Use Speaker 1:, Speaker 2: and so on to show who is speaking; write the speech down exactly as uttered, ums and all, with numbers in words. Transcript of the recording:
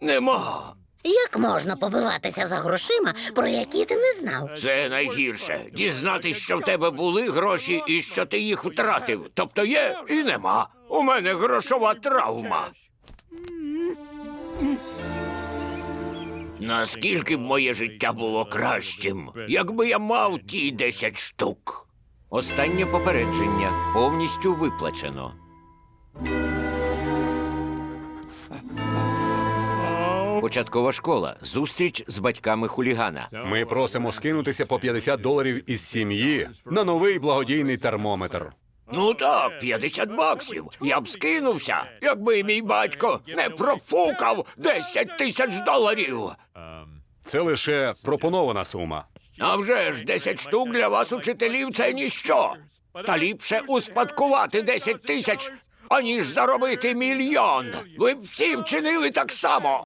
Speaker 1: Нема.
Speaker 2: Як можна побиватися за грошима, про які ти не знав?
Speaker 1: Це найгірше. Дізнатись, що в тебе були гроші і що ти їх втратив. Тобто є і нема. У мене грошова травма. Наскільки б моє життя було кращим, якби я мав ті десять штук.
Speaker 3: Останнє попередження повністю виплачено. Початкова школа. Зустріч з батьками хулігана.
Speaker 4: Ми просимо скинутися по п'ятдесят доларів із сім'ї на новий благодійний термометр.
Speaker 1: Ну так, п'ятдесят баксів. Я б скинувся, якби мій батько не профукав десять тисяч доларів.
Speaker 4: Це лише пропонована сума.
Speaker 1: А вже ж десять штук для вас, учителів, це ніщо. Та ліпше успадкувати десять тисяч, аніж заробити мільйон. Ви б всі вчинили так само.